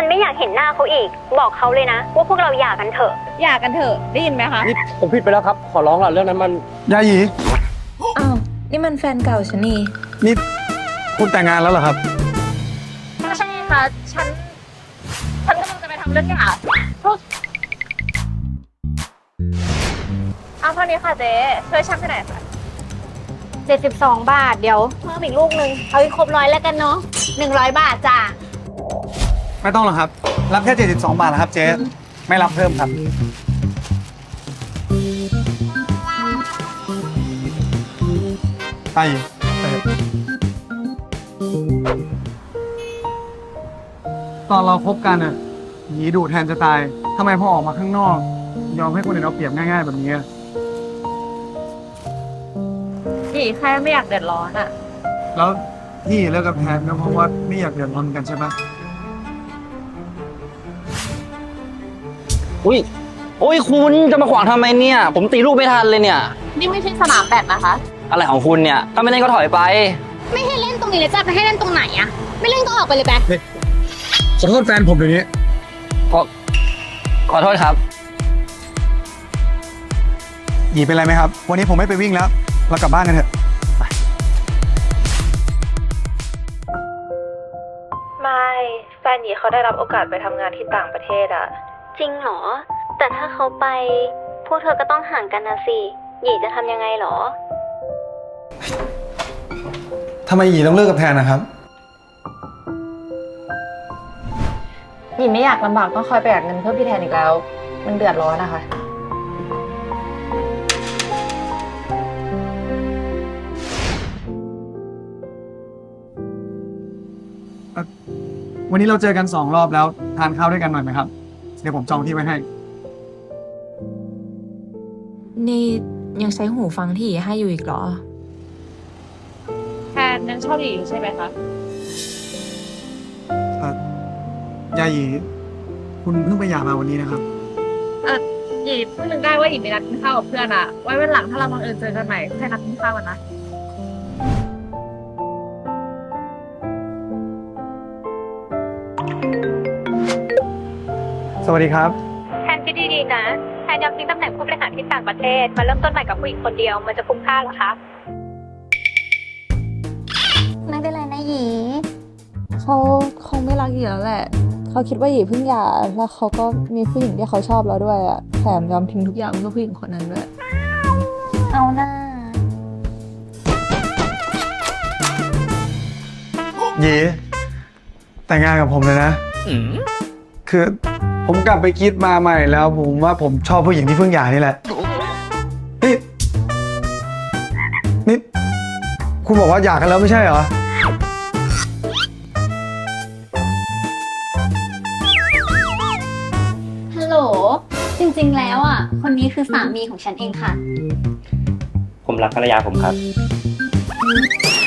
นไม่อยากเห็นหน้าเขาอีกบอกเขาเลยนะว่าพวกเราหย่ากันเถอะหย่ากันเถอะได้ยินไหมคะนี่ผมผิดไปแล้วครับขอร้องละเรื่องนั้นมันยาหยีอ้าวนี่มันแฟนเก่าฉันนี่นี่คุณแต่งงานแล้วเหรอครับไม่ใช่ค่ะฉันกำลังจะไปทำเรื่องหย่าเอาเท่านี้ค่ะเจ๊ช่วยฉันไปหน่อยค่ะ 72 บาทเดี๋ยวเพิ่มอีกลูกนึงเอาอีกครบ100แล้วกันเนาะ100 บาทจ้ะไม่ต้องหรอกครับรับแค่72 บาทนะครับเจ๊ไม่รับเพิ่มครับไปตอนเราคบกันอ่ะหยีดุแทนจะตายทำไมพอออกมาข้างนอกยอมให้คนอื่นเอาเปรียบง่ายๆแบบนี้หยีแค่ไม่อยากเดือดร้อนอ่ะแล้วที่เลิกกับแทนก็เพราะว่าไม่อยากเดือดร้อนกันใช่ปะอุ้ยคุณจะมาขวางทำไมเนี่ยผมตีลูกไม่ทันเลยเนี่ยนี่ไม่ใช่สนามแบดนะคะอะไรของคุณเนี่ยถ้าไม่เล่นก็ถอยไปไม่ให้เล่นตรงนี้เลยจ้ะไปให้เล่นตรงไหนอะไม่เล่นก็ออกไปเลยแบ๊ขอโทษแฟนผมเดี๋ยวนี้ขอโทษครับหยีเป็นไรไหมครับวันนี้ผมไม่ไปวิ่งแล้วเรากลับบ้านกันเถอะไม่แฟนหยีเขาได้รับโอกาสไปทำงานที่ต่างประเทศอะจริงเหรอแต่ถ้าเขาไปพวกเธอก็ต้องห่างกันนะสิหยีจะทำยังไงหรอทำไมหยีต้องเลิกกับแทนนะครับหยีไม่อยากลำบากต้องคอยประหยัดเงินเพื่อพี่แทนอีกแล้วมันเดือดร้อนนะคะวันนี้เราเจอกัน2 รอบแล้วทานข้าวด้วยกันหน่อยไหมครับเดี๋ยวผมจองที่ไว้ให้นี่ยังใช้หูฟังที่หยีให้อยู่อีกเหรอแทนยังชอบหยีอยู่ใช่ไหมคะยาหยีคุณเพิ่งไปหย่ามาวันนี้นะครับหยีเพิ่งนึกได้ว่าหยีมีนัดกินข้าวกับเพื่อนอะไว้วันหลังถ้าเราบังเอิญเจอกันใหม่ให้นัดกินข้าวกันนะสวัสดีครับแทนคิดดีๆนะแทนยอมทิ้งตำแหน่งผู้บริหารที่ต่างประเทศมาเริ่มต้นใหม่กับผู้หญิงคนเดียวมันจะคุ้มค่าหรอคะไม่เป็นไรนะหยีเขาคงไม่รักหยีแล้วแหละเขาคิดว่าหยีเพิ่งหย่าแล้วเขาก็มีผู้หญิงที่เขาชอบแล้วด้วยอะแถมยอมทิ้งทุกอย่างเพื่อผู้หญิงคนนั้นด้วยเอาหน้าหยีแต่งงานกับผมเลยนะคือผมกลับไปคิดมาใหม่แล้วผมว่าผมชอบผู้หญิงที่เพิ่งหย่านี่แหละนี่คุณบอกว่าหย่ากันแล้วไม่ใช่เหรอฮัลโหลจริงๆแล้วอ่ะคนนี้คือสามีของฉันเองค่ะผมรักภรรยาผมครับ